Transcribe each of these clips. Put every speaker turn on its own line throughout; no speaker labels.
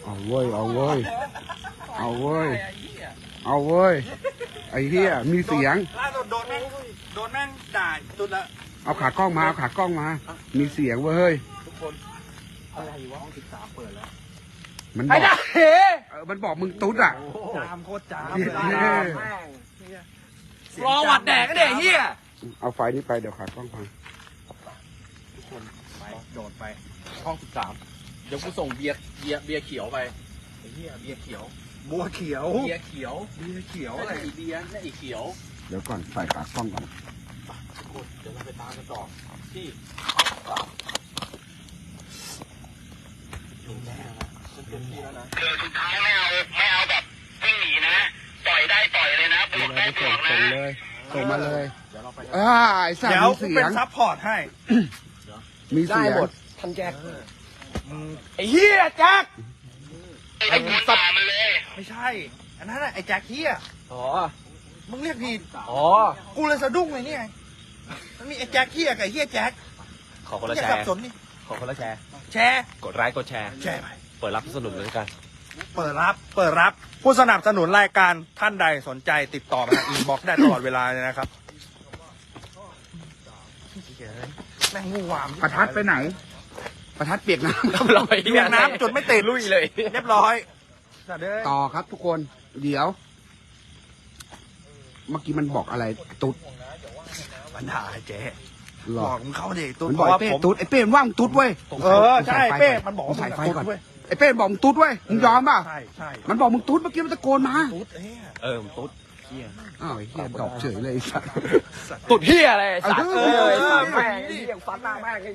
เอาเว้ยเอาเว้ยเอาเว้ยเอาเว้ยไอ้เหี้ยมีเสียง
ล่าสุดโดนแม่งด่าจุดละ
เอาขากล้องมาเอาขากล้องมามีเสียงเว้ย
ทุกคนอะไรวะห้อง13เปิดแล้ว
มันบอกมันบอกมึงตุ๊ดอ่ะ
จามโคตรจาม
รอวัดแดกก็เด็กเฮีย
เอาไฟนี้ไปเดี๋ยวขากล้องพัง
ทุกคนไปโดดไป
ห้อง13เดี๋ยวกูส่งเบียร์เขียวไปไอ้เฮียเบียร์เขียว
บัวเขียว
เบียร์เขียวอะไรอีเบียร์นี่อีเขียว
เดี๋ยวก่อนใส่ขากล้องก่อน
ทุกคนเดี๋ยวเราไปตามกันต่อที่อยู่แน่นะฉันเต็มที่แล้วนะ
สุดท้ายไม่เอาแบบวิ่งหนีนะต่อยได้ต่อยเลยนะบวกได้บวกนะ
ส่งมาเลย
เดี๋ยวเราไป
ไอ้สัตว์มีเสียง
เป็นซัพพอร์ตให้
มีเสียง
ท่านแจ็คไอ้เฮียแจ็ค
ไอ้สัตว์มันเลย
ไม่ใช่อันนั้นไอ้แจ็คเฮีย
อ๋อ
มึงเรียกผิด
อ๋อ
กูเลยสะดุ้งเลยนี่ไงมันมีไอ้แจ็คเฮียกับไอ้เฮียแจ็ค
ขอคนละแชร์
สับสนนี่
ขอคนละแชร์กดไลค์กดแชร์
ไป
เปิดรับสนุนเลยกัน
เปิดรับผู้สนับสนุนรายการท่านใดสนใจติดต่อมาทางอินบ็อกซ์ได้ตลอดเวลาเลยนะครับแม่งงูหวาม
ประทัดไปไหนประทัดเปียกน้ำ
เปียกน้ำจนไม่ติด
ลุยเลย
เรียบร้อย
ต่อครับทุกคนเดี๋ยวเมื่อกี้มันบอกอะไรตุ๊ด
มันด่าไอ้เจ๊บอกมึงเข้าดิตุ๊ด
มันบอกเป้ตุ๊ดไอ้เป้มันว่างตุ๊ดเว้ย
ใช่เป้มันบอก
ใส่ไฟก่อนไอ้เป้บอกมึงตุ๊ดเว้ยมึงยอมป่ะ
ใช่
มันบอกมึงตุ๊ดเมื่อกี้มันตะโกนมา
ตุ๊ด
มึงตุ๊ด
เฮียดอกเฉยเลยสัตว์
ตุ๊ดเฮียอะไรสัตว์แม่งเฮียฟันหน้าแม่ง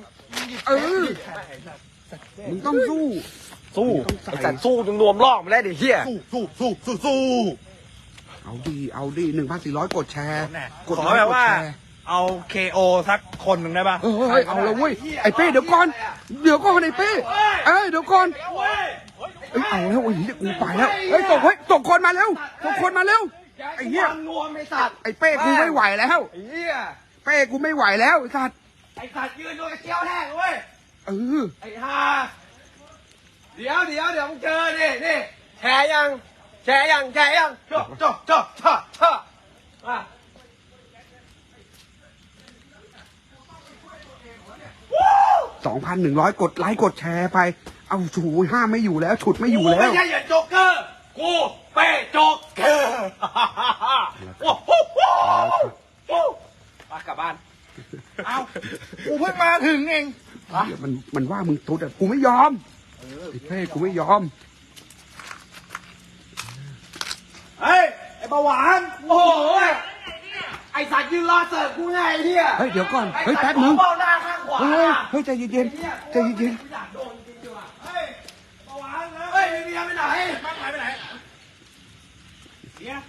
มึงต้องสู้
ไอ้สัตว์สู้จนรวมรอบมาแล้วดิเฮีย
สู้
เอาดี1,400กดแชร์
กดแบบว่าเอา KO สักคนหนึ่งได้ป่ะ
เอาเลยเว้ยไอ้เป้เดี๋ยวก่อนไอ้เป้เดี๋ยวก่อนเอาแล้วไอ้เหี้ยกูไปแล้วตกคนมาแล้วไอ้เหี้ย
รวมไอ้สัตว์
ไอ้เป้กูไม่ไหวแล้ว
ไอ้เหี้ย
เป้กูไม่ไหวแล้วไอ้สัตว์
ยืนดูไอ้เกี้ยวแห้งเว้ยไอ้ห่าเดี๋ยวมึงเจอนี่แชร์ยังจ่อ
2,100กดไลค์กดแชร์ไปเอาชูห้าไม่อยู่แล้วฉุดไม่อยู่แล้ว
ไม่ใช่อย่าโจ๊กเกอร์กูเป้โจ๊กเกอร์กลับบ้าน
เอากูเพิ่งมาถึงเอง
มันว่ามึงตุ๊ดอ่ะกูไม่ยอมไอ้เป้กูไม่ยอม
เฮ้ยไอ้เบาหวาน
โอ้โหไอ้สัตว์ยืนรอเสิร์ฟกูไงเฮีย
เดี๋ยวก่อนแป๊บนึงเฮ้ยใจเย็น
เฮ้ยเบาหวานเฮ้ยเมียไปไหนบ้านหายไปไหนเนี่ย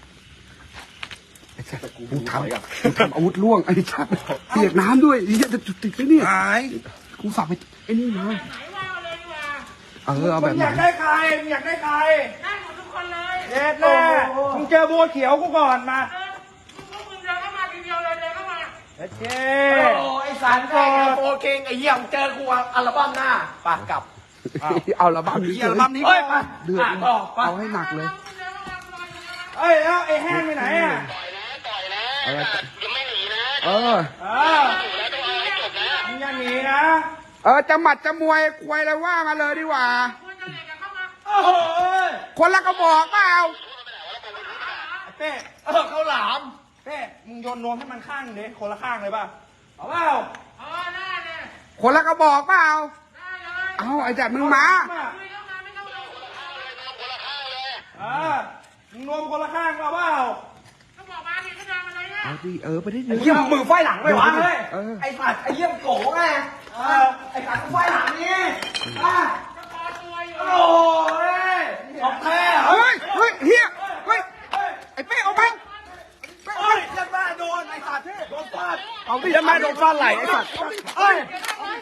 กูทำอาวุธล่วงไอ้ชัดเปียกน้ำด้วยจะติดไปเนี่ยกูฝากไปไอ้นี่เลยเอาแบบไหน
อยากได้ใคร
ได้หมดทุกคนเลย
แน่มึงเจอบัวเขียวกูก่อนมา
มึงเดินเข้ามาทีเดียวเลยเดินเข้ามา
ไอ้สารแกโฟเก่งไอ้เหี้ยเจอกูอัลบั้มหน้าปากกลับ
เอาอัลบั้มนี้เดือดเอาให้หนักเลย
แล้วไอ้แห้งไปไหนอ่ะ
ต่อยนะยังไม่หนีนะ
ต้องเอาให้จบนะมึงอย่าหนีนะ
จะหมัดจะมวยควยอะไรว่ามาเลยดีกว่าคนละกระบอกเปล่า
เป้
เขาหลาม
เป้มึงโยนนวมให้มันข้างดิคนละข้างเลยป่ะเอาเปล่า
ได้เลย
คนละกระบอกเปล่าเอาไอ้จัดมึงมา
มึงนวมคนละข้างเปล่า
ก็บอกมาดิก็เดินมาเลยนะ
เอาดิไปได้
เยี่ยมมือไฟหลังไม่วางเลยไอ้สัตว์ไอ้เยี่ยมโก๋ไงไอ้สัตว์ไฟหลังนี่โอ้ย
ของแท้
เฮ้ยเฮียไอ้เป้เอาไป
ยันแม่โดนไอ้สัตว์โดนฟาด
เอาดิยันแม่โดนฟาดไหลไอ้สัตว์
ไอ้เป้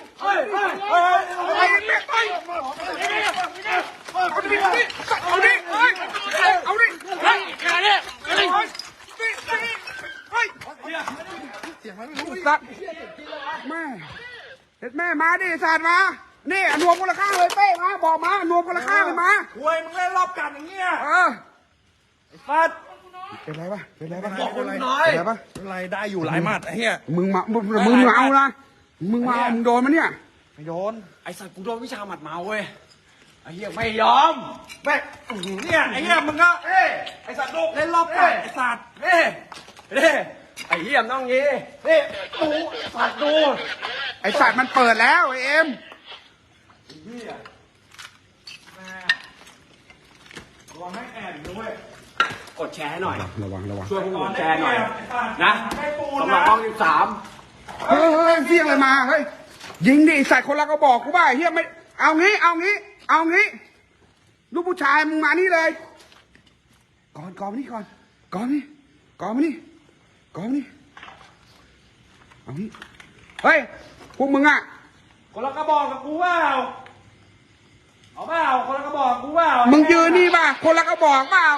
เอาดิเสียงมันไม่รู้สัตว์แม่มาดิสัตว์มานี่รวมมูลค่าเลยเป้มาบอกมานวมคนละข้างเลยมา
ควยมึงเล่นรอบกัดอย่างเงี้ย
เออ
ไอ้ฟัด
เป็นไรปะเป็นไรปะ
บอกคุณน้อย
เป็นไรปะ
อะไรได้อยู่หลายหมัดไอ้เหี้ย
มึงเอานะมึงมาเอามึงโดนมันเนี่ย
ไม่โดน
ไอ้สัตว์กูโดนวิชาหมัดเมาเว้ยไอ้เหี้ยไม่ยอมแม่ง
เนี่ยไอ้เหี้ยมึงก็ไอ้สัตว์ลูกเล่นรอบกัดไอ้สัตว์
เน่ไอ้เหี้ยมต้องงี้นี่ดูสัตว์ดู
ไอสัตว์มันเปิดแล้วไอเอ็ม
ระวังให้แอบด้วย
กดแชร์ให้หน่อย
ระวัง
ช่วยพวกผมแชร์หน่อยนะสำหรับห้อง13
เฮ้ยเสี่ยงเลยมาเฮ้ยยิงดิไอ้สัตว์คนละก็บอกกูว่าไอ้เฮียไม่เอางี้ลูกผู้ชายมึงมานี่เลยก่อนมานี่ก่อนมานี่เอานี่เฮ้ยพวกมึงอ่ะ
คนละกระบอกกับกูเปล่าเอาเปล่าคนละกระบอกกูเปล่า
มึงยืนนี่ป่ะคนละก็บอกเปล่า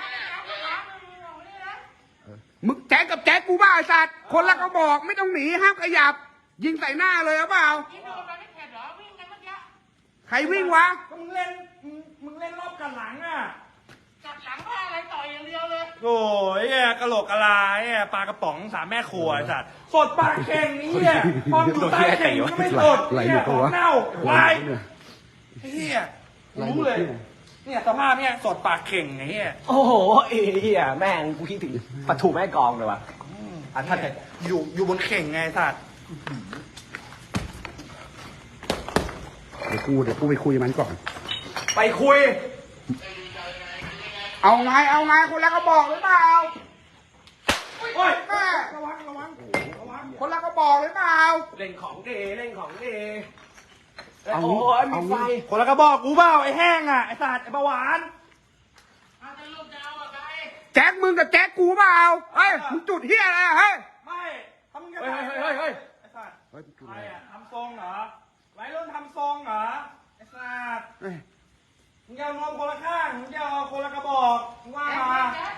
มึงแจ๊กกับแจ๊กกูบ้าไอ้สัตว์คนละก็บอกไม่ต้องหนีห้ามขยับ ยิงใส่หน้าเลยเอาเปล่า
นี่โดนไปไม่เข็ดเหรอวิ่งกันเมื่อกี้
ใครวิ่งวะ
ก็มึงเล่นรอบกันหลังอ่ะ
จัดหลังว่าอะไรต่อยอย่างเดียวเลย
โอ้ยไอ้กะโหลกกะลาไอ้ปลากระป๋องสามแม่ครัวไอ้สัตว์สดปากเข่งนี่อ่ะพอมอยู่ใต้เข่งก็ไม่สดเนี่ยของเน่าวายไอ้เหี้ยรู้เลยเนี่ยสภาพเนี่ยสดปากเข่งไอ้เหี้ย
โอ้โหไอ้เหี้ยแม่งกูคิดถึงปะถูแม่กองเลยว่ะอ่ะท่าน
อยู่บนเข่งไงสัตว์
เดี๋ยวกูไปคุยมันก่อน
ไปคุย
เอาไงคนละก็บอกหรือเปล่า
โอ้ย
แม่
ระวัง
คนละก็บอกหรือเปล่า
เล่นของดี
เอา
โอ้
งี้
ยมีไฟ
คนละกระบอกกูเปล่าไอ้แห้งอ่ะไอ้สัตว์ไอ้เบาหวาน
อาจจะลูกจะเอาอะใคร
แจ๊กมึงกับแจ๊กกูเปล่าเฮ้ยมึงจุดเฮียอะไรอะเฮ้ย
ไม่ทำยังไง
เฮ้ย
ไอ้สัตว์ใครอ่ะทำทรงเหรอวัยรุ่นทำทรงเหรอไอ้สัตว์
เอ้ย
มึงจะเอานมคนละข้างมึงจะเอาคนละกระบอกมึงว่ามา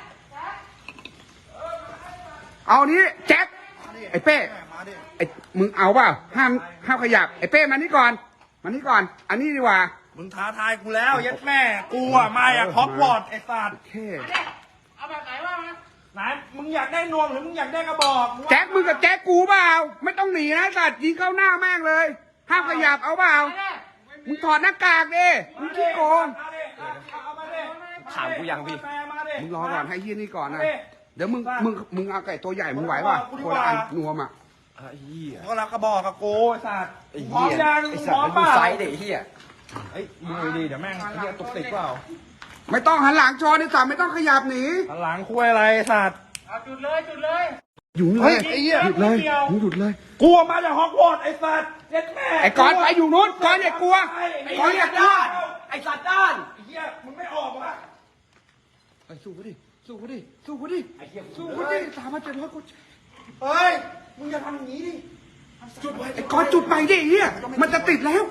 เอานี้แจ๊กไอ้เป้ไอ้มึงเอาเปล่าห้ามขยับไอ้เป้มานี่ก่อนอันนี้ดีกว่า
มึงท้าทายกูแล้วยัดแม่กูอ่ะมาฮอกวอตส์ไอ้สัตว์
โอเค
เอาแบบไหนว่ามา
ไหนมึงอยากได้นวมหรือมึงอยากได้กระบอกว่า
แจ๊กมึงกับแจ๊กกูเปล่าไม่ต้องหนีนะสัตว์ยิงเข้าหน้าแม่งเลยห้ามขยับเอาเปล่า
เอาดิ
มึงถอดหน้ากากดิมึงขี้โกง
เอามาดิ
ถามกูยังพี่
มาดิ
มึงรอก่อนให้ยี่นี่ก่อนนะ
เอาดิ
เดี๋ยวมึงเอาไก่ตัวใหญ่มึงไหวป่ะคนละอันนวมอ่ะ
ไอ้เหี้ย
ก็รับกระบอกกับกูไอ้สัตว์
ไอ้
พร้อ
เหี้
ม
ย
ยัง
ไอ้
พ
สัต
ร้อ
ว์
ม
มัน
เป
ดู
ล่า
ไซส์เด็กเหี้ย
เอ้ยมึงดีเดี๋ยวแม่งไอ้เหี้ยตกติดเปล่า
ไม่ต้องหันหลังชอนไอ้สัตว์ไม่ต้องขยับหนี
หลังคุยอะไรไอ้สัตว์
เอาจุดเลย
อยู่นี่
เฮ้
เลย ย
ไอ้เหี้ย
หยุดเลย
ไม่เกี่ยว
มึงหยุดเลย
กูมาจากฮอกวอตส์ไอ้สัตว์ยัดแม่
ไอ้กอนไปอยู่นู้นกอนอย่ากลัว
ไอ้
กอน
เหี้
อย ย่ากลัว
ด้านไอ้สัตว์ด้าน
ไอ้เหี้ยมึงไม่ออกวะ
ไปสู้เขาดิสู้เขาดิ
ไอ้เหี้ย
สู้เขาดิ3,700กด
เฮ้ยมึงอย่าทำอย่างนี้ดิจุดไว้
ไอ้กอนจุดไปดิเฮียมันจะติดแล้ว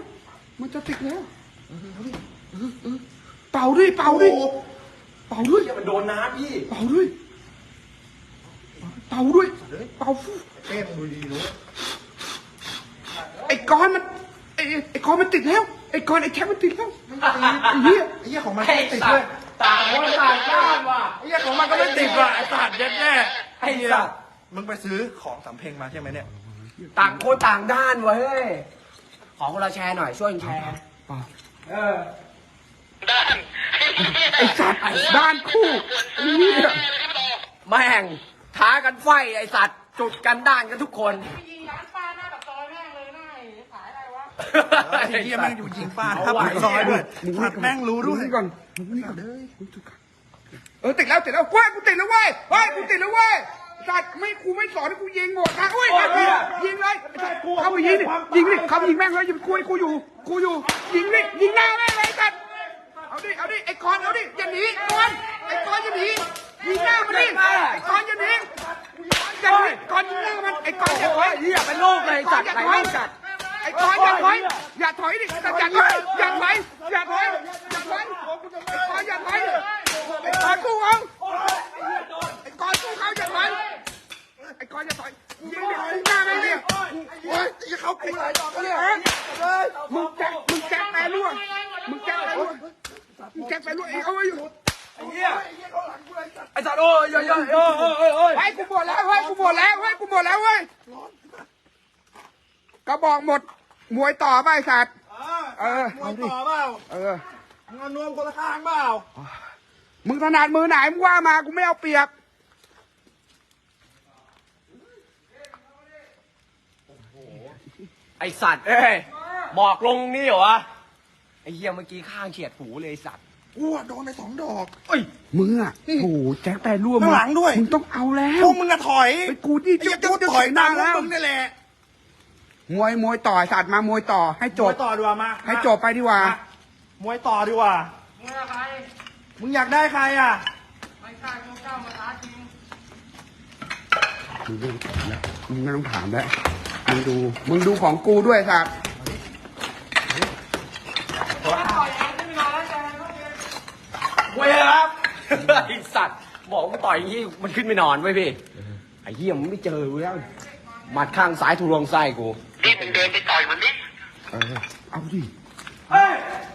เป่าด้วย
เหี้ยมันโดนน้ำพี่
เป่าฟู่
เต้มดูดีรู้
ไอ้กอนมันติดแล้วไอ้กอนไอ้แคปมันติดแล้วไอ้เหี้ย
ไอ้เหี้ยของมัน
ไอ้
ไม่ติด
สั
เล
ต
ย
ว์ต่างคนต่างด้านว่ะ
ไอ้เหี้ยของมันก็ไม่ติดว่ะไอ้สัตว์ยัดแม่
ไอ้สัตว์
มึงไปซื้อของสำเพ็งมาใช่ไหมเนี่ย
ต่างคนต่างด้านว่ะเฮ้ยขอคนละแชร์หน่อยช่วยกันแชร์ เออ
ด้าน
ไอ้สัตว์ด้านคู่ไอ้เหี้ย
แม่งท้ากันไฟไอ้สัตว์จุดกันด้านกันทุกคน
ไปยิงร้านป้าหน้าปากซอยแม่งเลยหน้าไอ้ขายอะไรวะ
ไอ้เหี้ยแม่งอยู่ยิงป้าถ้าปากซอยด้วยสัตว์แม่งรู้ด้วย
มึงนี่ก่อนเลยมึงจุดก่อนติดแล้วว้ายกูติดแล้วเว้ยกูติดแล้วเว้ยสัตว์กูไม่สอนให้กูยิงหมดนะเว้ยยิงเลยเข้าไปยิงดิเข้าไปยิงแม่งเลยกูอยู่ยิงหน้าแม่งเลยสัตว์เอาดิไอ้กอนเอาดิอย่าหนีกอนไอ้กอนอย่าหนียิงหน้ามันดิไอ้กอนอย่าหนีกอนยิงหน้ามันไอ้กอนอย่าถอย
เหี้ยเป็นลูกเลยจัดไรลูกจัด
ไอ้กอนอย่าถอยดิแต่อย่าถอยไอ้กอนอย่าถอยไอ้กอนสู้เขาไอ้กอนสู้เขาอย่าถอยไอ้กอนอย่าถอยยิงหน้าแม่งดิโอ้ยจะเข้ากูหลายดอกเลยมึงแจ๊กแม่ล่วงมึงแจ๊กแจ็คไปด้วยเอาไว้อยู่
ไอ้เหี้ยไอ้สัตว์โอ้ยโอ้ย
ไอ้กูหมดแล้วเฮ้ยกูหมดแล้วเฮ้ยกูหมดแล้วเว้ยกระบอกหมดมวยต่อไปสัตว์
มวยต่อเปล่ามึงเอานวมคนละข้างเปล่า
มึงถนัดมือไหนมึงว่ามากูไม่เอาเปรียบ
ไอสัตว์เอ้ยหมอกลงนี่เหรอวะไอเหี้ยเมื่อกี้ข้างเฉียดหูเลยไอสัตว์
กูโดนไป2 ดอก
มึงอ่ะโอ้แจ็คแต่ร่วม
ข้างหลังด้วย
มึงต้องเอาแล้ว
พวกมึงอะถอย
ไปกูที่
ไอ้จะถอยตามพวกมึงนี่แหละ
มวยต่อสัตว์มามวยต่อให้จ
ม
บ
วยต่อดีกว่ามา
ให้จบไปดีกว่า
มวยต่อดีกว่า
มึงอะไร
มึงอยากได้ใครอ่ะ
ไม่ใช่มึงก้าวมาท้าจริง
มึงไม่ต้องถามแล้วมึงดูของกูด้วยสัตว์
ต่อยเองไม่มีนอนแล้วใจเขาเอง
เว้ยครับไอสัตว์บอกว่าต่อยอย่างนี้มันขึ้นไม่นอนไว้ยพี่ไอเหี้ยมึงไม่เจอกูแล้วหมัดข้างซ้ายถูกลงไส้กู
นี่มึงเดินไปต่อยมันดิ
เอาดิ
เฮ้ย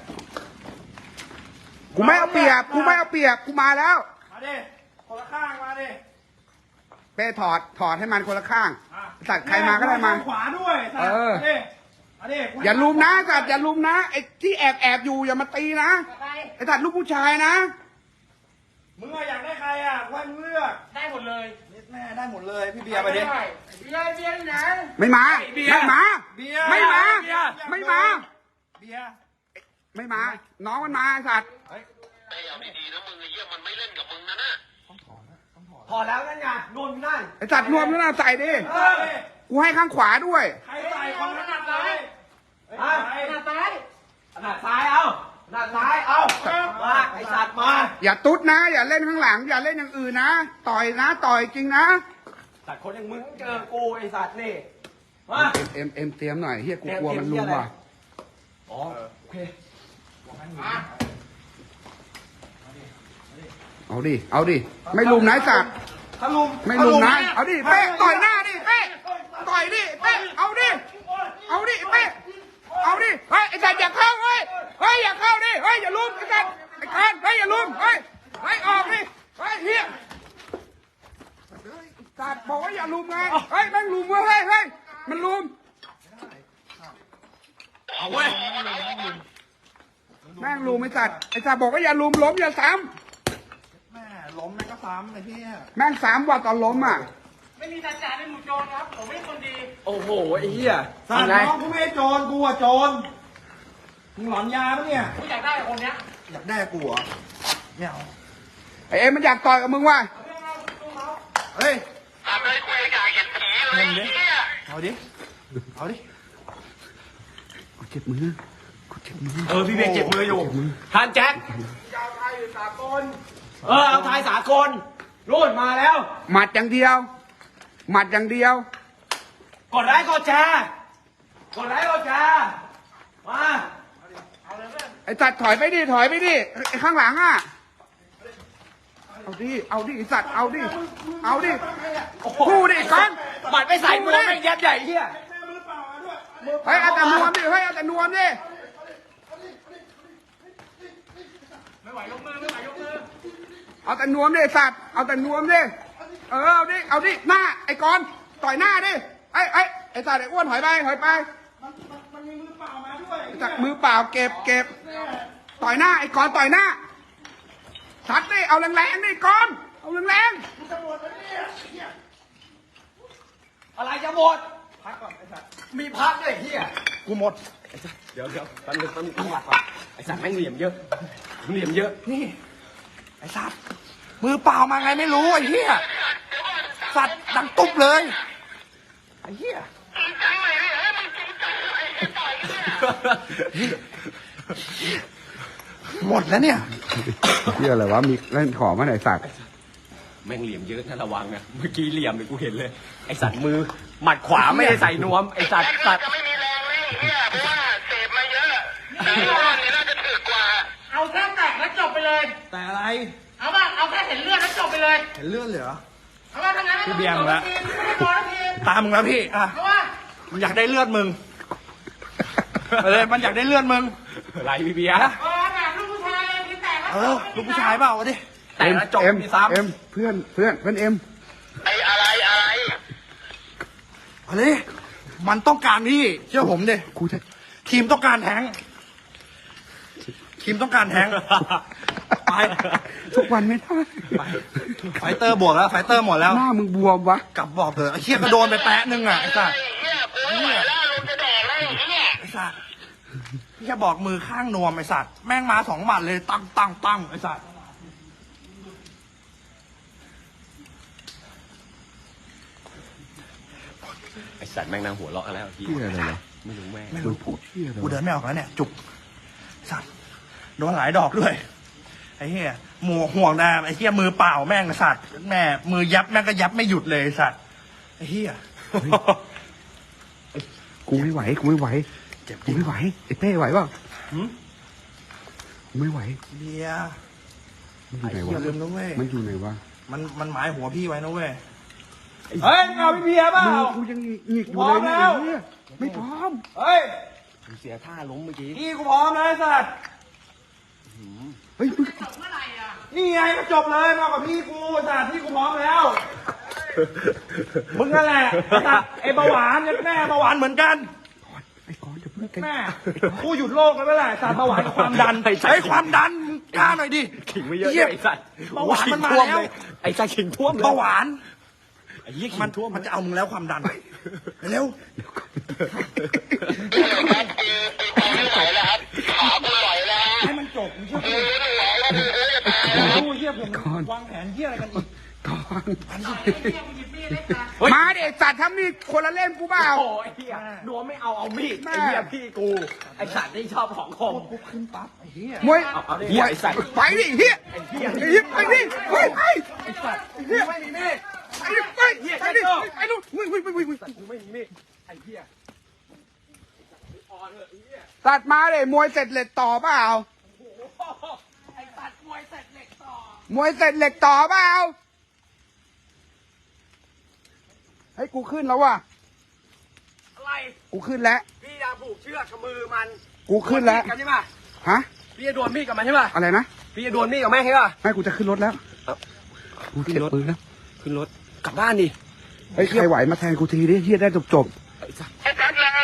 กูไม่เอาเปรียบกูมาแล้ว
มาดิคนละข้างมาดิ
เป้ถอดให้มันคนละข้างสัตว์ใครมาก็ได้มา
ขวาด้วยสัตว์มาดิ
อย่าลุมนะสัตว์อย่าลุมนะไอ้ที่แอบอยู่อย่ามาตีนะ
อะไร
ไอ้สัตว์ลูกผู้ชายนะ
มึงอะอยากได้ใครอ่ะว่ามึงเลือก
ได้หมดเลย
นิดแม่ได้หมดเลยพี่เบียร์ไปดิ
เบียร์ที่ไหน
ไม่มา
เบียร์
ไม่มา
เบียร์
ไม่มา
เบียร์
ไม่มา
เบียร์
ไม่มา น้องมันมาไอ้สัตว์
ไอ้เอาดีๆนะมึงไอ้เหี้ยมันไม่เล่นกับมึงนะน่ะ
พอแล้วนั่นไงนวมอยู่นั่น
ไอ้สัตว์นวมนั่นน่ะใส่ดิ
เฮ้ย
กูให้ข้างขวาด้วย
ใครใส่คนนั้นเลย
ฮะ
หน้าซ้าย
หน้าซ้ายเอาหน้าซ้ายเอามาไอสัตว์มา
อย่าตุ๊ดนะ อย่าเล่นข้างหลัง อย่าเล่นอย่างอื่นนะ ต่อยนะ ต่อยจริงนะ
สัตว์คนอย่างมึงเจอกูไอสัตว์นี่มา
เอ็มเตรียมหน่อยเฮียกูกลัวมันลุมว่ะ
อ๋อโอเค
เอาดิไม่ลุมนะไอ้สัตว์
ถ้าลุม
ไม่ลุมนะเอาดิเป้ต่อยหน้าดิเป้ต่อยดิเป้เอาดิเป้เอาดิเฮ้ยไอ้สัตว์อย่าเข้าเฮ้ยอย่าเข้าดิเฮ้ยอย่าลุมไอ้สัตว์ไอ้การเฮ้ยอย่าลุมเฮ้ยออกดิเฮ้ยเฮียสัตว์บอกว่าอย่าลุมไงเฮ้ยแม่งลุมเว้ยเฮ้ยมันลุม
เอาเว้ย
แม่งลุมไอ้สัตว์บอกว่าอย่าลุมล้มอย่าซ้
แม่ล้มแม่ก็ซ้ำไอ้ที่
ำแม่งซ้ำว่าตอนล้มอ่ะ
ไม่มีตาจ่าในหมู่โจรครับผมไม่ใช่คนดี
โอ้โหไอเหี้ย
สัตว์น้องกูไม่ใช่โจรกูอะโจรมึงหลอนยาปะเนี่ย
กูอยากได้คนเนี้ย
อยากได้กูเหรอไม่เอา
ไอ้เอ็มมันอยากต่อยกับมึงว่ะ
เฮ้ย
ทำเลยกูอยากเห็นผีเลยไอ้เหี้ย
เอาดิ
กูเจ็บมือ
พี่เบกเจ็บมืออยู่ทานแจ็ค
ยาวไทยสากล
เอาทายสากลรุ่นมาแล้ว
หมัดอย่างเดียว
กดไลค์กดแชร์มา
ไอ้สัตว์ถอยไปดิไอ้ข้างหลังอ่ะเอาดิไอ้สัตว์เอาดิคู่ดิก่อน
หมัดไปใส่มือไม่ยัดใหญ่เหี้ย
เฮ้ยเอาแต่นวมดิ
ไม่ไหวยกมือไม่ไหวยกมือ
เอาแต่นวมดิไอ้สัตว์เอาดิหน้าไอ้กอนต่อยหน้าดิไอ้สัตว์ไอ้อ้วนถอยไป
มันมีมือเปล่ามาด้วย
ไอ้สัตว์มือเปล่าเก็บต่อยหน้าไอ้กอนต่อยหน้าสัตว์ดิเอาแรงๆดิกอนเอาแรง
อะไรจะหมด
พักก่อนไอ้สัตว์
มีพักด้วยเหี้ย
กูหมด
เดี๋ยวแป๊บนึงต้องหลักก่อนไอสัตว์แม่งเหลี่ยมเยอะ
นี่ไอ้สัตว์มือเปล่ามาไงไม่รู้ไอ้เหี้ยสัตว์ดังตุ๊บเลยไอ้เหี้ย
จริงจังเลยเนี่ยเฮ้ยมึงจริงจังเลยไอ้ต่อยเนี่ย
หมดแล้วเนี่ย
ๆเชื่ออะไรวะมีเล่นของมาไหนสัตว์
แม่งเหลี่ยมเยอะนะระวังนะเมื่อกี้เหลี่ยมเลยกูเห็นเลยไอสัตว์มือหมัดขวาไม่ได้ใส่นวมไอสัตว์
จะไม่มีแรงเลยไอ้เหี้ยเพราะว่าเสพมาเยอะแต่ว่าเนี่ยน่าจะถึกกว่า
เอาแค่แตกแล้วจบไปเลย
แต่อะไร
เอาป่ะเอาแค่เห็นเลือดแล้วจบไปเลย
เห็นเลือดเหรอ
เอาป่ะทั้งนั้นไม่ต้องไม่ต้องที
ตามมึงแล้วพี่อ่ะ
เอาป่ะ
มันอยากได้เลือดมึงเลยมันอยากได้เลือดมึง
อะไรพี่เบียร์
แบบลูกผู้ชายเลยทีแตก
ลูกผู้ชายเปล่าวะดิ
แต่ละจบ
เอ็ม
มีซ้ำ
เอ็มเพื่อนเอ็ม
ไอ้อะไร
อะไรมันต้องการพี่เชื่อผมดิ
กูจะ
ทีมต้องการแทงค์ทีมต้องการแทงค์ไป
ทุกวันไม่ได้
ไฟเตอร์บวกแล้วไฟเตอร์หมดแล้ว
หน้ามึงบวมวะ
กลับบอกเถอะไอ้เชี่ยก็โดนไปแปะนึงอ่ะไอ้สัส
ไอ้เหี้ยกูไม่ไหวแล้วลงจะแดกแล้วไอ้เหี้ย
ไอ้สัสพี่แค่บอกมือข้างนวมไอ้สัสแม่งมา2 หมัดเลยตั้งไอ้สัส
ไอสัตว์แม่งนางหัวเราะแล้วพี่
เหี้ยอะไรวะ
ไม่รู้แม่ง
ไม่รู้
พูดเหี้ยอะไร
กู
วะ
เดินไม่ออกแล้วเนี่ยจุกสัสโดนหลายดอกด้วยไอ้เหี้ยห่วงนะไอ้เหี้ยมือเปล่าแม่งไอ้สัสแม่มือยับแม่งก็ยับไม่หยุดเลยไอ้สัสไอ้เหี้ย
กูไม่ไหวกูไม่ไหว
เจ็บจ
กู
ริง
ไม่ไหวไอ้เป้ไหวเปล่า
หืม
กูไม่ไหว
เบียร์
มันอยู่ไหน
อย่าว
ะ
ลืมนะเว้ย
มันอยู่ไหนวะ
มันหมายหัวพี่ไว้นะเว้ยเฮ้ยเอาพี่เบียร์เปล่า
มือกูยังหงิกอยู่
พร้
เล
อย ม
นะ
แล้ว
ไอ้เหี้ยไม่พร้อม
เฮ้ย
เสียท่าล้มเมื่อกี้
พี่กูพร้อมแล้วไอ้สัส
เฮ้ยมึง
นี่ไงก็จบเลยมากับพี่กูไอ้สัสพี่กูพร้อมแล้วมึงนั่นแหละไอ้สัสไอ้เบาหวานเนี่ยแม่เบาหวานเหมือนกัน
ไอ้ก้อนจะเพิ่งกัน
แม่กูหยุดโลกแล้วไม่แหละสารเบาหวานกับความดันไอ้ความดันกล้าหน่อยดิ
ขิงไม่เยอะ
เหี้ย
ไอสัตว์
เบาหวานมันมา
ขิงท่ว
แล้ว
เลยไอสัตว์ขิงท่วมเลย
เบาหวาน
ไอ้เหี้ยขิ
มัน
งท่วม
มันจะเอามึงแล้วความดันเร็ว
ครับกูไม่ไหวแล้วครับขากูไหวแล้ว
ให้มันจบมึงเชื่อ
กูไม่ไหวแล้วกูจะตาย
กูเชื่อผมวางแผนเหี้ยอะไรกันอีก
ก้อน
เฮ้ย
มาเด็กสัตว์ทำนี่คนละเล่มกูเปล่า
โอ้ไอ้เหี้ยนัวไม่เอามีด
แม่
ไอ้เหี้ยพี่กูไอสัตว์นี่ชอบของคม
กูขึ้นปั๊บไอ้เหี้ย
มวย
เอาดิเหี้ยไอ้สัตว์
ไปดิเฮีย
ไอ้เหี้ย
ไอ้เฮียไปดิไปไป
ไอ้สัตว์กูไม่มีมีด
ไปดิไปไปดิไปดูวิ่งวิ่งวิ่งวิ่ง
กูไม่มีมีดไอ้เหี้ยอ่อนเถอะไอ้เหี้ย
ตัดมาเลยมวยเสร็จเหล็กต่อเปล่า
ไอ้สัตว์มวยเสร็จเหล็กต่อ
มวยเสร็จเหล็กต่อเปล่าให้กูขึ้นแล้วว่ะ
อะไร
กูขึ้นแล้ว
พี่จะผูกเชือกกับมือมัน
กูขึ้นแล้ว
ดวมีดกันใช่ป่ะ
ฮะ
พี่จะดวลมีดกับมันใช่ป่ะ
อะไรนะ
พี่จะดวลมีดกับแม่งใช่ป่ะ
ไม่กูจะขึ้นรถแล้วกูเก็บปืนแล้ว
ขึ้นรถกลับบ้านดิ
เฮ้ยใครไหวมาแทนกูทีดิเฮียได้จบ
ไอ้สัตว์
ไอ้แป๊บนึง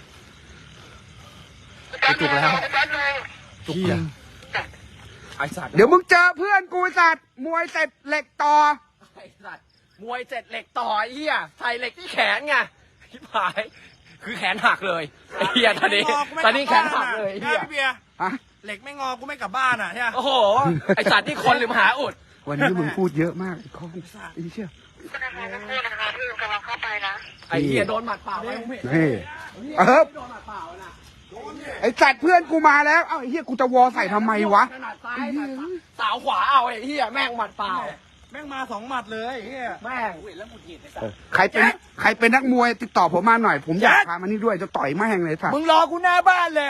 จุกแล้ว
ไอ้แป๊บนึง
เหี้ยไอ้สัตว์
เดี๋ยวมึงเจอเพื่อนกูไอ้สัตว์มวยเสร็จเหล็กต่อ
ไอ้สัตว์มวยเสร็จเหล็กต่อไอ้เหี้ยใส่เหล็กที่แขนไงทิพายคือแขนหักเลยไอ้เหี้ยตอนนี้แขนหักเลยไอ้เหี้ย
พี่เบียร์
ฮะ
เหล็กไม่งอกูไม่กลับบ้านอ่ะใช่ไหม
โอ้โหไอ้สัตว์ที่คนหรือมหาอุด
วันนี้มึงพูดเยอะมากไอ้คอนไอ้เชี่ย
ธนาคารนักโทษนะคะที่กำลังเข้าไปนะ
ไอ้เหี้ยโดนหมัดเปล่าไป
นี่
โดนหมัดเปล่าน่ะ
ไอ้สัตว์เพื่อนกูมาแล้วเอ้าไอ้เฮียกูจะวอใส่ทำไมวะ
ถนัดซ้ายสาวขวาเอาไอ้เหี้ยแม่งหมัดเปล่า
แม่งมา2 หมัดเลยไอ้เหี้ย
แม่งแล้วหงุดหงิดไอ้สัตว์
ใครเป็นนักมวยติดต่อผมมาหน่อย ผมอยากพามานี่ด้วยจะต่อยแม่งเลยสัตว์
มึงรอกูหน้าบ้านเลย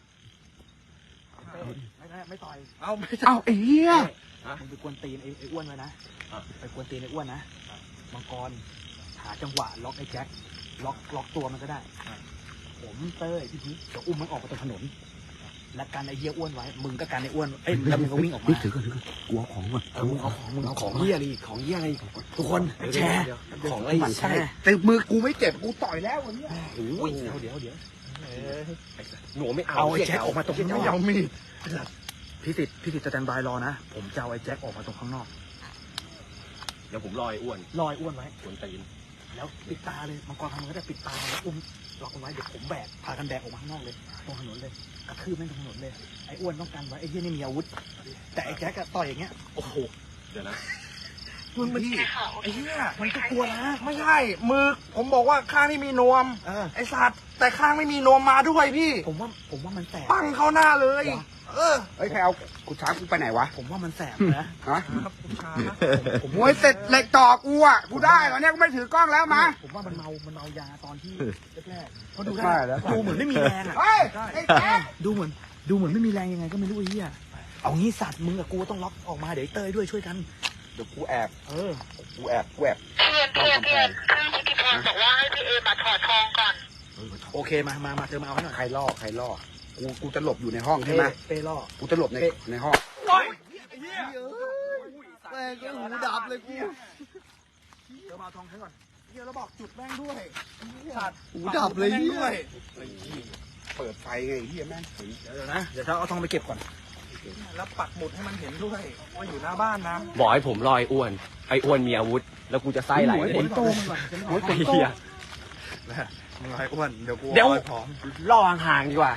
ไม่ต่อยเอาไม่
เอ้าไอ้เฮีย
มึงไปกวนตีนไอ้อ้วนไว้นะไปกวนตีนไอ้อ้วนนะมังกรหาจังหวะล็อกไอ้แจ็คล็อกตัวมันก็ได้ผมเต้ยพี่พีจะอุ้มมันออกไปตรงถนนและกันไอ้เหี้ยอ้วนไว้มึงก็กันไอ้อ้วนเอ้ยแล้วมึงก็วิ่งออกมา
นี่ถือก่อนถือก่อนกลัวของก่อน
มึงเอาของ
เหี้ยอะไรของเหี้ยอะไรทุกคน
แชร์
ของอะไร
มัน
แช
ใช่
ร์
แต่มือกูไม่เจ็บกูต่อยแล้ววันนี้
โอ้ย
เดี๋ยว
หนูไม่เอา
เอาไอ้แจ็คออกมาตรงข้างนอก
เอามีด
พี่ติดสแตนบายรอนะผมจะเอาไอ้แจ็คออกมาตรงข้างนอก
เดี๋ยวผมรอไอ้อ้วน
รอไอ้อ้วนไว้
ขวนตีน
แล้วปิดตาเลยมังกรทำมันก็ได้ปิดตาแล้วอุ้มล็อกมันไว้เดี๋ยวผมแบกพากันแบกออกมาข้างนอกเลยตรงถนนเลยกระทืบแม่งตรงถนนเลยไอ้อ้วนต้องกันไว้ไอ้เหี้ยนี่มีอาวุธ แต่ไอ้แจ็คอะต่อยอย่างเงี้ย
โอ้โหเดี๋ยวนะ
มึงพี่ไอ้เหี้ยมันก็กลัวนะไม่ใช่มือผมบอกว่าข้างนี่มีนวม ไอ้สัตว์แต่ข้างไม่มีนวมมาด้วยพี่
ผมว่ามันแสบ
ปั้งเข้าหน้าเลย เออ
เฮ้ยใครเอากูช้ากูไปไหนวะ
ผมว่ามันแสบนะ
ฮะ
ครับคุณชา
มวยเสร็จเหล็กต่อกูอ่ะกูได้ตอนนี้กูไม่ถือกล้องแล้วมา
ผมว่ามันเมายาตอนที่แรกๆเขาดู
ใช่แล้ว
ดูเหมือนไม่มีแรงอะ
เฮ้ยไอ้แจ๊ค
ดูเหมือนไม่มีแรงยังไงก็ไม่รู้ไอ้เหี้ยเอางี้สัตว์มึงกับกูต้องล็อกออกมาเดี๋ยวไอ้เต้ยด้วยช่วยกัน
เดี๋ยวกูแอบ
เออ
กูแอบ
เพื่อนพี่กิติพรบอกว่าให้พี่เอมาถอดทองก่อน
โอเคมาเธอมาเอาให้หน่อย
ใครล่อกูจะหลบอยู่ในห้องใช่ไหม
เป้ล่อ
กูจะหลบในห้อง
โอ้ย
แม่งก็หูดับเลยกู
เดี๋ยวมาเอาทองใช้ก่อนเฮียแล้วบอกจุดแม่งด้วย
หูดับเลยเนี่ย
เปิดไฟไงเฮียแม่งถึง
เดี๋ยวนะเดี๋ยวจะเอาทองไปเก็บก่อนแล้วปักหมุดให้มันเห็นด้วยว่าอยู่หน้าบ้านนะ
บอกให้ผมรอไอ้อ้วนไอ้อ้วนมีอาวุธ แล้วกูจะไส้ไหลเลย
ฝนโตมันก่อนจะไม่
โอ้
เอา
ยไอ้เหี้ย
มึงไรอ้วนเดี๋ยวกู
เดี๋ยว
อาไว้พร้อม
ล่อห่างๆดีกว่า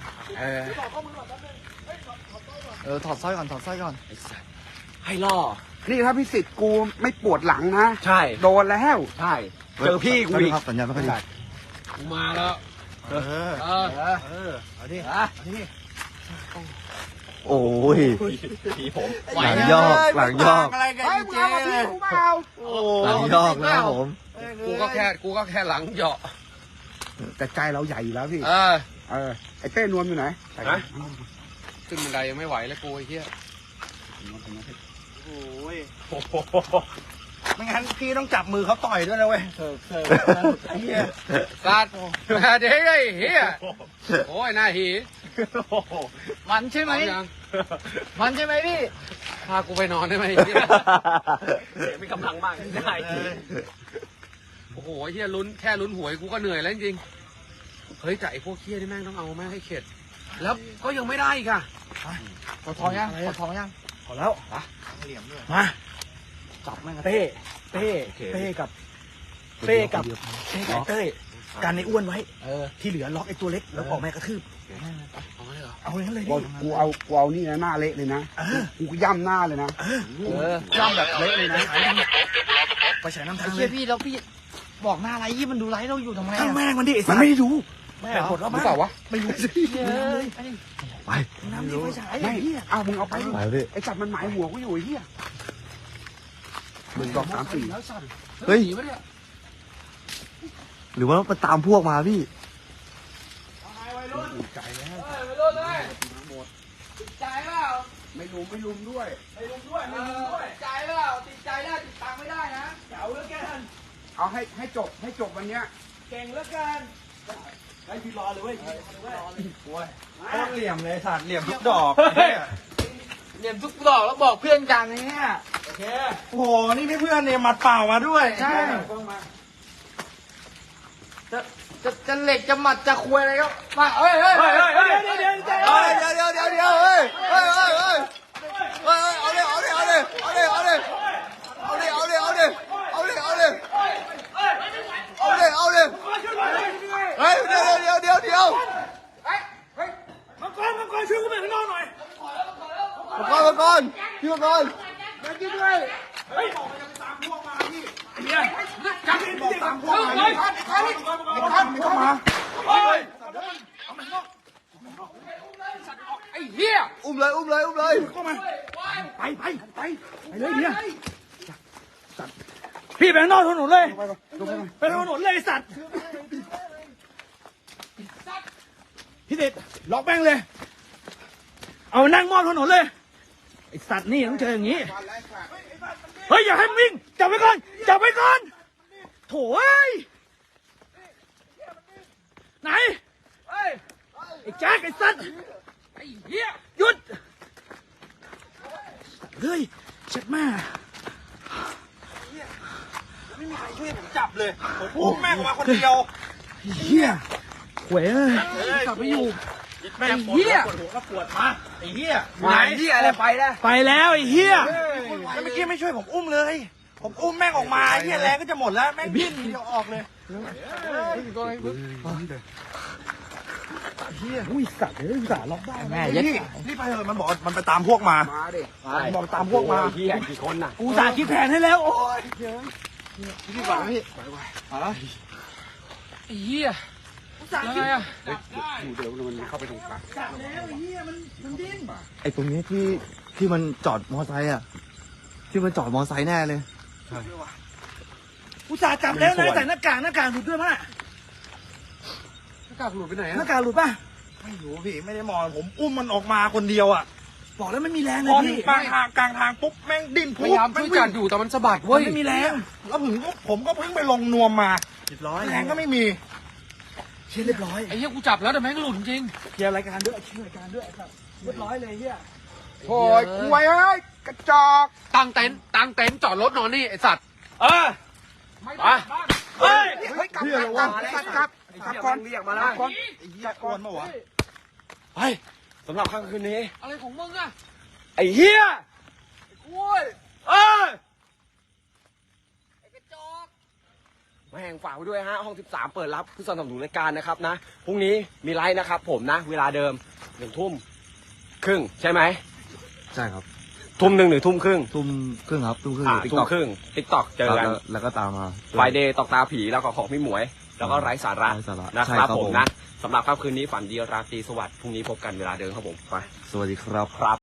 ถอดสร้อยก่อนถอดสร้อยก่อน
ให้ล่อ
นี่ถ้าพี่สิทธิ์กูไม่ปวดหลังนะ
ใช่
โดนแล้ว
ใช่เจอพี่กูอีก
ครับสัญญาณไม่ค่อยดี
กูมาแล้ว
เอาดิเอาดิ
โอ้ย
ผีผม
หลังยอกหลังยอก
อะไรกัน
เฮ้ยมึงเอามาพี่กูเปล่า
หลังยอกนะครับผม
กูก็แค่หลังเหยาะ
แต่ใจเราใหญ่อยู่แล้วพี่
เออ
ไอ้เต้นวลอยู่ไหน
ฮะ ขึ้นบันไดยังไม่ไหวแล้วกูไอ้เหี้ย
โอ้ยไม่งั้นพี่ต้องจับมือเขาต่อยด้วยนะเว้ยไอ้เหี้ย
สัตว์มาเด้ไอ้เหี้ยโอ้ยหน้าหี
มันใช่ไหม
เอายัง
มันใช่ไหมพี่
พากูไปนอนได้ไหมเหี้ยเสียมีกำลังมากได้โอ้โหไอ้เหี้ยแค่ลุ้นหวยกูก็เหนื่อยแล้วจริงๆเฮ้ยแต่ไอ้พวกเหี้ยนี่แม่งต้องเอาแม่งให้เข็ดแล้วก็ยังไม่ได้อีกอะ
ขอทองยังขอทองยัง
พอแล้ว
มาจับแม่งกับเต้เต้กับเต้กับเต้การในอ้วนไว้ที่เหลือล็อกไอ้ตัวเล็กแล้วออกแม่กระทืบ
เอามาเลยเหรอ
เอาอย่างนั้นเลย
กูเอานี่นะหน้าเละเลยนะกูย่ำหน้าเลยนะ
ย่ำแบบเละเลยนะไปฉายน้ำทางเล
เชี่
ย
ยพี่แล้วพี่บอกหน้าไรยี่มันดูไรเราอยู่ทำไม
ช่างแม่งมันดิ
มันไม่ได้ดู
แม่หมดแล้ว
หรือเปล่าวะ
ไม่รู้สิ
ไป
น้ำดีไปฉาย
ไม่
เหี้ย
เอามึงเอาไปดิ
ไปพี่
ไอ้จับมันหมายหัวกูอยู่ไอ้เหี้ย1 2 3 4
เฮ้ยหรือว่ามันตามพวกมาพี่
ไม่ลุมด้วย
ใจเปล่าติดใจได้ติดตังไม่ได้นะ
เอาแล้วกัน
เอาให้จบวันเนี้ย
เก่งแล้วกันไอ้พี่รอเลยเว้ย
โคตรเหลี่ยมเลยสัตว์เหลี่ยมทุกดอก
เรียนทุกดอกแล้วบอกเพื่อนกันเนี่ย
โอเค
โอ้โหนี่ไม่เพื่อนเนี่ยมัดเปล่ามาด้วย
ใช่จะเหล็กจะหมัดจะควยอะไรก็มาเฮ้ย
เดี๋ยวเฮ้ยเอาเลย
มังกรช่วยกูไปข้างนอกหน่อย
มาก่อนพี่มาก่อน
ไอ้เหี้ย
อุ้มเลย
ไปเลยเนี่ยพี่ไปข้างนอกถนนเลยไปถนนเลยไอ้สัตว์พี่เด็ดล็อกแม่งเลย เอานั่งมอบถนนเลยไอ้สัตว์นี่ต้องเจออย่างนี้เฮ้ยอย่าให้มันวิ่งจับไว้ก่อนโถ่เอ้ยไหนไอ้แจ็คไอ้สัตว์
ไอ้เหี้ย
หยุดเฮ้ยเช็ดแม่
ไม่มีใครช่วยผมจับเลยผมอุ้มแม่งออกมาคนเดียว
เฮียหวยเอ้ย
กลับไปอยู่
แม่งปวดหัวก็ปวดมาไอ้เหี้ยไหน
เหี้ยอะไรไปแล้ว
ไปแล้วไอ้เฮีย
แล้วเมื่อกี้ไม่ช่วยผมอุ้มเลย ผมอุ้มแม่งออกมาไอ้เหี้ยแรงก็จะหมดแล้วแม่งดิ้นทีเดียวออกเลย
อุ้ยสัตว์เอ้ยสัตว์ล็อกได้แม่
นี่ไปเถอะมันบอกมันไปตามพวกมา
มาดิ
บอกตามพวกมา
เหี้ยกี่คนน่ะ
กูสาคิดแผนให้แล้วโอ้ย
พี่ก่อนพี่
ไอ้เหี้ยยังไงอะ
อยู่เดี๋ยวมันเข้าไปตรงกลาง
ไอ้ตรงนี้ที่มันจอดมอไซค์อ่ะที่มันจอดมอไซค์แน่เลย
กูสาจับแล้วนะแต่หน้ากากหลุดด้วยมั้ย
หน้ากากหลุดไปไหน
ห
อะ
น้ากากหลุดป่ะ
ไม่รู้พี่ไม่ได้มองผมอุ้มมันออกมาคนเดียวอ่ะ
บอกแล้วไม่มีแรง
พ
เลย
อถึ
พี่
งกลางทางปุ๊บแม่งดิ้น
พยายามช่วยจัดอยู่แต่มันสะบัด
มั
เว้
น
ย
ไม่มีแรง
แล้วผมก็เพิ่งไปลงนวมมาแรงก็ไม่มี
เชี่ยเรียบร้อย
ไอ้เหี้ยกูจับแล้วแต่แม่งหลุดจริง
เคลียร์รายการด้วยเรียบร้อยเลยเฮีย
โอ้ยกล้วยเอ้ยกระจอก
ตั้งเต็นท์จอดรถนอนนี่ไอสัตว์
เออ
ไม่ได้บ้าน
เฮ้ย
เฮ้ยกลับก่อนเรียกมาแล้วก่อนกลับก่อน
ไปสำหรับค่ำคืนนี้
อะไรของมึงอะ
ไอ้เหี้ย
กล้วย
เออ
ไอกระจอก
แม่งฝากไว้ด้วยฮะห้อง 13 เปิดรับผู้สนับสนุนรายการนะครับนะพรุ่งนี้มีไลฟ์นะครับผมนะ เวลาเดิม1 ทุ่มครึ่งใช่ไหม
ใช่ครับ
ทุ่มหนึ่งหรือทุ่มครึ่ง
ทุ่มครึ่งครับทุ่มครึ่ง
ทุ่มครึ่งติ๊กต็อกเจอกัน
แล้วก็ตามมา
ไฟเดย์ตอกตาผีแล้วก็ของพี่หมวย แล้วก็ไร้สาระ
ไร้สาระ
นะ
ใช่
ครับ
ครับ
ผม
ผม
นะสำหรับค่ำคืนนี้ฝันดีราตรีสวัสดิ์พรุ่งนี้พบกันเวลาเดิมครับผมไป
สวัสดีครับ
ครับ